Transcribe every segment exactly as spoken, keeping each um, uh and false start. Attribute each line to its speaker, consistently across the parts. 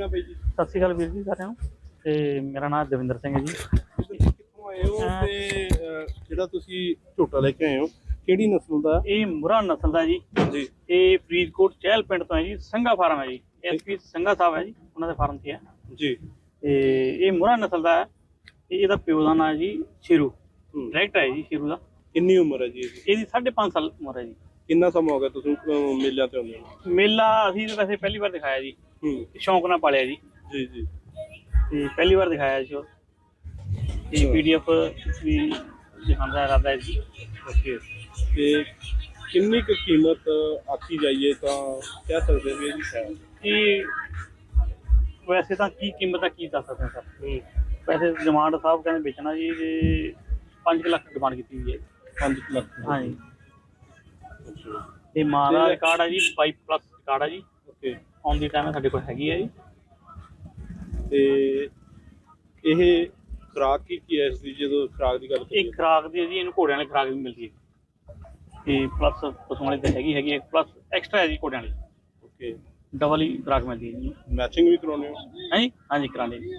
Speaker 1: ਬਾਈ ਜੀ?
Speaker 2: ਸਤਿ ਸ਼੍ਰੀ ਅਕਾਲ ਵੀਰ ਜੀ ਸਾਰਿਆਂ ਨੂੰ। ਤੇ ਮੇਰਾ ਨਾਮ ਦਵਿੰਦਰ ਸਿੰਘ ਹੈ ਜੀ।
Speaker 1: ਤੁਸੀਂ ਕਿੱਥੋਂ ਆਏ ਹੋ ਤੇ ਅਹ, ਜਿਹੜਾ ਤੁਸੀਂ ਝੋਟਾ ਲੈ ਕੇ ਆਏ ਹੋ ਕਿਹੜੀ ਨਸਲ ਦਾ?
Speaker 2: ਇਹ ਮੁਰਾ ਨਸਲ ਦਾ ਜੀ।
Speaker 1: ਜੀ
Speaker 2: ਇਹ ਫਰੀਦਕੋਟ ਚਹਿਲ ਪਿੰਡ ਤੋਂ ਹੈ ਜੀ। ਸੰਘਾ ਫਾਰਮ ਹੈ ਜੀ। ਐਸਪੀ ਸੰਘਾ ਸਾਹਿਬ ਹੈ ਜੀ, ਉਹਨਾਂ ਦੇ ਫਾਰਮ ਤੇ ਹੈ
Speaker 1: ਜੀ।
Speaker 2: ਤੇ ਇਹ ਮੁਰਾ ਨਸਲ ਦਾ ਹੈ। ਤੇ ਇਹਦਾ ਪਿਓ ਦਾ ਨਾਂ ਹੈ ਜੀ ਸ਼ੇਰੂ।
Speaker 1: ਹੂੰ।
Speaker 2: ਡਾਇਰੈਕਟ ਹੈ ਜੀ ਸ਼ੇਰੂ ਦਾ।
Speaker 1: ਕਿੰਨੀ ਉਮਰ ਹੈ ਜੀ ਇਹਦੀ?
Speaker 2: ਇਹਦੀ ਸਾਢੇ ਪੰਜ ਸਾਲ ਉਮਰ ਹੈ ਜੀ।
Speaker 1: ਕਿੰਨਾ ਸਮਾਂ ਹੋ ਗਿਆ ਤੁਸੀਂ ਅਹ, ਮੇਲਿਆਂ ਤੇ ਆਉਂਦੇ ਹੋ?
Speaker 2: ਮੇਲਾ ਅਸੀਂ ਤਾਂ ਵੈਸੇ ਪਹਿਲੀ ਵਾਰ ਦਿਖਾਇਆ ਜੀ।
Speaker 1: ਹੂੰ।
Speaker 2: ਸ਼ੌਂਕ ਨਾਲ ਪਾਲਿਆ ਜੀ।
Speaker 1: ਜੀ ਜੀ।
Speaker 2: ਤੇ ਪਹਿਲੀ ਵਾਰ ਦਿਖਾਇਆ ਜੀ ਉਹ। ਤੇ ਪੀਡੀਐਫ ਵੀ ਦਿਖਾਉਂਦਾ ਹੈ ਰਾਦਾ ਜੀ।
Speaker 1: ਓਕੇ। ਤੇ ਕਿੰਨੀ ਕੁ ਕੀਮਤ ਆਖੀ ਜਾਈਏ ਤਾਂ ਕਹਿ ਸਕਦੇ ਵੀ ਇਹਦੀ ਹੈ?
Speaker 2: ਇਹ ਵੈਸੇ ਤਾਂ ਕੀ ਕੀਮਤ ਆ ਕੀ ਦੱਸ ਸਕਦੇ ਸਰ।
Speaker 1: ਹੂੰ।
Speaker 2: ਵੈਸੇ ਡਿਮਾਂਡ ਸਾਹਿਬ ਕਹਿੰਦੇ ਵੇਚਣਾ ਜੀ ਤੇ ਪੰਜ ਲੱਖ ਡਿਮਾਂਡ ਕੀਤੀ ਹੋਈ ਹੈ।
Speaker 1: ਪੰਜ ਲੱਖ?
Speaker 2: ਹਾਂਜੀ।
Speaker 1: ਅੱਛਾ।
Speaker 2: ਤੇ ਮਾਂ ਦਾ ਰਿਕਾਰਡ ਹੈ ਜੀ ਬਾਈ ਪਲੱਸ ਰਿਕਾਰਡ ਹੈ ਜੀ।
Speaker 1: ਓਕੇ।
Speaker 2: ਆਨ ਦੀ ਟਾਈਮ ਸਾਡੇ ਕੋਲ ਹੈਗੀ ਹੈ ਜੀ।
Speaker 1: ਤੇ ਇਹ ਖੁਰਾਕ ਕੀ ਕੀ ਹੈ ਇਸ ਦੀ, ਜਦੋਂ ਖੁਰਾਕ ਦੀ ਗੱਲ
Speaker 2: ਇੱਕ ਖੁਰਾਕ ਦੀ ਹੈ ਜੀ, ਇਹਨੂੰ ਘੋੜਿਆਂ ਵਾਲੀ ਖੁਰਾਕ ਵੀ ਮਿਲਦੀ ਹੈ ਤੇ ਪਲੱਸ ਪਸ਼ੂਆਂ ਵਾਲੀ ਤਾਂ ਹੈਗੀ ਹੈਗੀ ਹੈ, ਪਲੱਸ ਐਕਸਟਰਾ ਹੈ ਜੀ ਘੋੜਿਆਂ ਵਾਲੀ।
Speaker 1: ਓਕੇ।
Speaker 2: ਡਬਲ ਹੀ ਖੁਰਾਕ ਮਿਲਦੀ ਹੈ ਜੀ।
Speaker 1: ਮੈਚਿੰਗ ਵੀ ਕਰਾਉਂਦੇ ਹੋ?
Speaker 2: ਹਾਂਜੀ ਹਾਂਜੀ ਕਰਾਉਂਦੇ ਜੀ।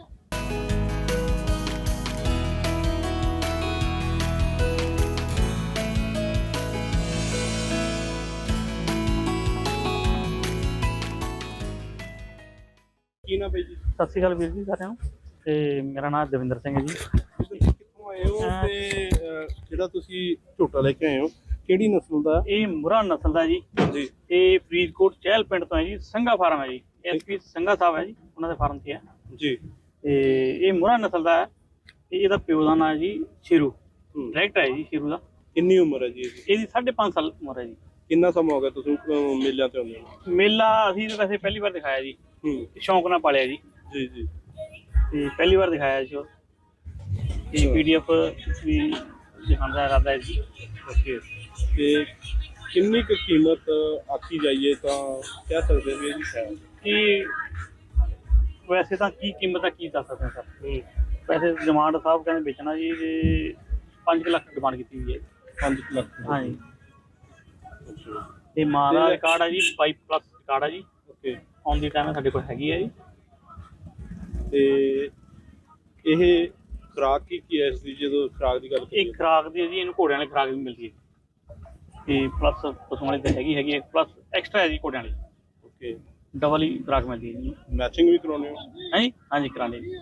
Speaker 1: ਕੀ ਨਾ ਬਾਈ ਜੀ?
Speaker 2: ਸਤਿ ਸ਼੍ਰੀ ਅਕਾਲ ਵੀਰ ਜੀ ਸਾਰਿਆਂ ਨੂੰ। ਤੇ ਮੇਰਾ ਨਾਮ ਦਵਿੰਦਰ ਸਿੰਘ ਹੈ ਜੀ।
Speaker 1: ਤੁਸੀਂ ਕਿੱਥੋਂ ਆਏ ਹੋ ਤੇ ਅਹ, ਜਿਹੜਾ ਤੁਸੀਂ ਝੋਟਾ ਲੈ ਕੇ ਆਏ ਹੋ ਕਿਹੜੀ ਨਸਲ ਦਾ?
Speaker 2: ਇਹ ਮੁਰਾ ਨਸਲ ਦਾ ਜੀ।
Speaker 1: ਜੀ।
Speaker 2: ਇਹ ਫਰੀਦਕੋਟ ਚਹਿਲ ਪਿੰਡ ਤੋਂ ਹੈ ਜੀ। ਸੰਘਾ ਫਾਰਮ ਹੈ ਜੀ। ਐਸਪੀ ਸੰਘਾ ਸਾਹਿਬ ਹੈ ਜੀ, ਉਹਨਾਂ ਦੇ ਫਾਰਮ ਤੇ ਹੈ
Speaker 1: ਜੀ।
Speaker 2: ਤੇ ਇਹ ਮੁਰਾ ਨਸਲ ਦਾ ਹੈ। ਤੇ ਇਹਦਾ ਪਿਓ ਦਾ ਨਾਂ ਹੈ ਜੀ ਸ਼ੇਰੂ।
Speaker 1: ਹੂੰ।
Speaker 2: ਡਾਇਰੈਕਟ ਹੈ ਜੀ ਸ਼ੇਰੂ ਦਾ।
Speaker 1: ਕਿੰਨੀ ਉਮਰ ਹੈ ਜੀ ਇਹਦੀ?
Speaker 2: ਇਹਦੀ ਸਾਢੇ ਪੰਜ ਸਾਲ ਉਮਰ ਹੈ ਜੀ।
Speaker 1: ਕਿੰਨਾ ਸਮਾਂ ਹੋ ਗਿਆ ਤੁਸੀਂ ਅਹ, ਮੇਲਿਆਂ ਤੇ ਆਉਂਦੇ ਹੋ?
Speaker 2: ਮੇਲਾ ਅਸੀਂ ਤਾਂ ਵੈਸੇ ਪਹਿਲੀ ਵਾਰ ਦਿਖਾਇਆ ਜੀ।
Speaker 1: ਹੂੰ।
Speaker 2: ਸ਼ੌਂਕ ਨਾਲ ਪਾਲਿਆ ਜੀ।
Speaker 1: ਜੀ ਜੀ।
Speaker 2: ਤੇ ਪਹਿਲੀ ਵਾਰ ਦਿਖਾਇਆ ਜੀ ਉਹ। ਤੇ ਪੀਡੀਐਫ ਵੀ ਦਿਖਾਉਂਦਾ ਹੈ ਰਾਦਾ ਜੀ।
Speaker 1: ਓਕੇ। ਤੇ ਕਿੰਨੀ ਕੁ ਕੀਮਤ ਆਖੀ ਜਾਈਏ ਤਾਂ ਕਹਿ ਸਕਦੇ ਵੀ ਇਹਦੀ ਹੈ?
Speaker 2: ਇਹ ਵੈਸੇ ਤਾਂ ਕੀ ਕੀਮਤ ਆ ਕੀ ਦੱਸ ਸਕਦੇ ਸਰ।
Speaker 1: ਹੂੰ।
Speaker 2: ਵੈਸੇ ਡਿਮਾਂਡ ਸਾਹਿਬ ਕਹਿੰਦੇ ਵੇਚਣਾ ਜੀ ਤੇ ਪੰਜ ਲੱਖ ਡਿਮਾਂਡ ਕੀਤੀ ਹੋਈ ਹੈ।
Speaker 1: ਪੰਜ ਲੱਖ?
Speaker 2: ਹਾਂਜੀ।
Speaker 1: ਅੱਛਾ।
Speaker 2: ਤੇ ਮਾਂ ਦਾ ਰਿਕਾਰਡ ਹੈ ਜੀ ਬਾਈ ਪਲੱਸ ਰਿਕਾਰਡ ਹੈ ਜੀ।
Speaker 1: ਓਕੇ।
Speaker 2: ਆਨ ਦੀ ਟਾਈਮ ਸਾਡੇ ਕੋਲ ਹੈਗੀ ਹੈ ਜੀ।
Speaker 1: ਤੇ ਇਹ ਖੁਰਾਕ ਕੀ ਕੀ ਹੈ ਇਸ ਦੀ, ਜਦੋਂ ਖੁਰਾਕ ਦੀ ਗੱਲ
Speaker 2: ਇੱਕ ਖੁਰਾਕ ਦੀ ਹੈ ਜੀ, ਇਹਨੂੰ ਘੋੜਿਆਂ ਵਾਲੀ ਖੁਰਾਕ ਵੀ ਮਿਲਦੀ ਹੈ ਤੇ ਪਲੱਸ ਪਸ਼ੂਆਂ ਵਾਲੀ ਤਾਂ ਹੈਗੀ ਹੈਗੀ ਹੈ, ਪਲੱਸ ਐਕਸਟਰਾ ਹੈ ਜੀ ਘੋੜਿਆਂ ਵਾਲੀ।
Speaker 1: ਓਕੇ।
Speaker 2: ਡਬਲ ਹੀ ਖੁਰਾਕ ਮਿਲਦੀ ਹੈ ਜੀ।
Speaker 1: ਮੈਚਿੰਗ ਵੀ ਕਰਾਉਂਦੇ ਹੋ?
Speaker 2: ਹਾਂਜੀ ਹਾਂਜੀ ਕਰਾਉਂਦੇ ਜੀ।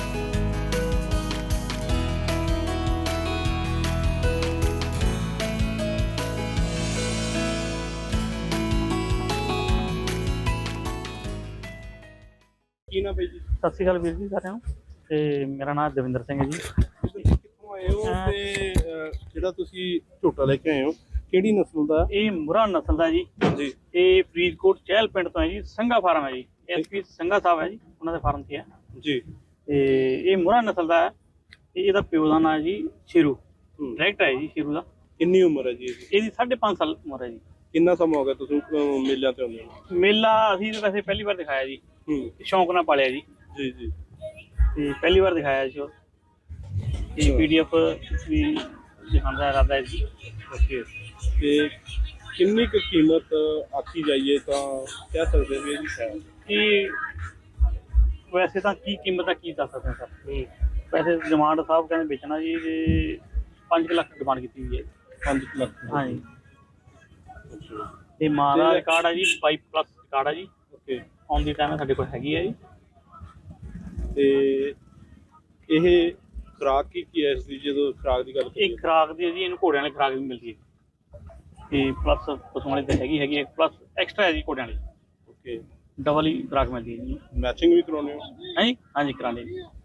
Speaker 1: ਕੀ ਨਾ ਬਾਈ ਜੀ?
Speaker 2: ਸਤਿ ਸ਼੍ਰੀ ਅਕਾਲ ਵੀਰ ਜੀ ਸਾਰਿਆਂ ਨੂੰ। ਤੇ ਮੇਰਾ ਨਾਮ ਦਵਿੰਦਰ ਸਿੰਘ ਹੈ ਜੀ।
Speaker 1: ਤੁਸੀਂ ਕਿੱਥੋਂ ਆਏ ਹੋ ਤੇ ਅਹ, ਜਿਹੜਾ ਤੁਸੀਂ ਝੋਟਾ ਲੈ ਕੇ ਆਏ ਹੋ ਕਿਹੜੀ ਨਸਲ ਦਾ?
Speaker 2: ਇਹ ਮੁਰਾ ਨਸਲ ਦਾ ਜੀ।
Speaker 1: ਜੀ।
Speaker 2: ਇਹ ਫਰੀਦਕੋਟ ਚਹਿਲ ਪਿੰਡ ਤੋਂ ਹੈ ਜੀ। ਸੰਘਾ ਫਾਰਮ ਹੈ ਜੀ। ਐਸਪੀ ਸੰਘਾ ਸਾਹਿਬ ਹੈ ਜੀ, ਉਹਨਾਂ ਦੇ ਫਾਰਮ ਤੇ ਹੈ
Speaker 1: ਜੀ।
Speaker 2: ਤੇ ਇਹ ਮੁਰਾ ਨਸਲ ਦਾ ਹੈ। ਤੇ ਇਹਦਾ ਪਿਓ ਦਾ ਨਾਂ ਹੈ ਜੀ ਸ਼ੇਰੂ।
Speaker 1: ਹੂੰ।
Speaker 2: ਡਾਇਰੈਕਟ ਹੈ ਜੀ ਸ਼ੇਰੂ ਦਾ।
Speaker 1: ਕਿੰਨੀ ਉਮਰ ਹੈ ਜੀ ਇਹਦੀ?
Speaker 2: ਇਹਦੀ ਸਾਢੇ ਪੰਜ ਸਾਲ ਉਮਰ ਹੈ ਜੀ।
Speaker 1: ਕਿੰਨਾ ਸਮਾਂ ਹੋ ਗਿਆ ਤੁਸੀਂ ਅਹ, ਮੇਲਿਆਂ ਤੇ ਆਉਂਦੇ ਹੋ?
Speaker 2: ਮੇਲਾ ਅਸੀਂ ਤਾਂ ਵੈਸੇ ਪਹਿਲੀ ਵਾਰ ਦਿਖਾਇਆ ਜੀ।
Speaker 1: ਹੂੰ।
Speaker 2: ਸ਼ੌਂਕ ਨਾਲ ਪਾਲਿਆ ਜੀ।
Speaker 1: ਜੀ ਜੀ।
Speaker 2: ਤੇ ਪਹਿਲੀ ਵਾਰ ਦਿਖਾਇਆ ਜੀ ਉਹ। ਤੇ ਪੀਡੀਐਫ ਵੀ ਦਿਖਾਉਂਦਾ ਹੈ ਰਾਦਾ ਜੀ।
Speaker 1: ਓਕੇ। ਤੇ ਕਿੰਨੀ ਕੁ ਕੀਮਤ ਆਖੀ ਜਾਈਏ ਤਾਂ ਕਹਿ ਸਕਦੇ ਵੀ ਇਹਦੀ ਹੈ?
Speaker 2: ਇਹ ਵੈਸੇ ਤਾਂ ਕੀ ਕੀਮਤ ਆ ਕੀ ਦੱਸ ਸਕਦੇ ਸਰ।
Speaker 1: ਹੂੰ।
Speaker 2: ਵੈਸੇ ਡਿਮਾਂਡ ਸਾਹਿਬ ਕਹਿੰਦੇ ਵੇਚਣਾ ਜੀ ਤੇ ਪੰਜ ਲੱਖ ਡਿਮਾਂਡ ਕੀਤੀ ਹੋਈ ਹੈ।
Speaker 1: ਪੰਜ ਲੱਖ? ਹਾਂਜੀ। ਅੱਛਾ।
Speaker 2: ਤੇ ਮਾਂ ਦਾ ਰਿਕਾਰਡ ਹੈ ਜੀ ਬਾਈ ਪਲੱਸ ਰਿਕਾਰਡ ਹੈ ਜੀ।
Speaker 1: ਓਕੇ।
Speaker 2: ਆਨ ਦੀ ਟਾਈਮ ਸਾਡੇ ਕੋਲ ਹੈਗੀ ਹੈ ਜੀ।
Speaker 1: ਤੇ ਇਹ ਖੁਰਾਕ ਕੀ ਕੀ ਹੈ ਇਸ ਦੀ, ਜਦੋਂ ਖੁਰਾਕ ਦੀ ਗੱਲ
Speaker 2: ਇੱਕ ਖੁਰਾਕ ਦੀ ਹੈ ਜੀ, ਇਹਨੂੰ ਘੋੜਿਆਂ ਵਾਲੀ ਖੁਰਾਕ ਵੀ ਮਿਲਦੀ ਹੈ ਤੇ ਪਲੱਸ ਪਸ਼ੂਆਂ ਵਾਲੀ ਤਾਂ ਹੈਗੀ ਹੈਗੀ ਹੈ, ਪਲੱਸ ਐਕਸਟਰਾ ਹੈ ਜੀ ਘੋੜਿਆਂ ਵਾਲੀ।
Speaker 1: ਓਕੇ।
Speaker 2: ਡਬਲ ਹੀ ਖੁਰਾਕ ਮਿਲਦੀ ਹੈ ਜੀ।
Speaker 1: ਮੈਚਿੰਗ ਵੀ ਕਰਾਉਂਦੇ ਹੋ?
Speaker 2: ਹਾਂਜੀ ਹਾਂਜੀ ਕਰਾਉਂਦੇ ਜੀ।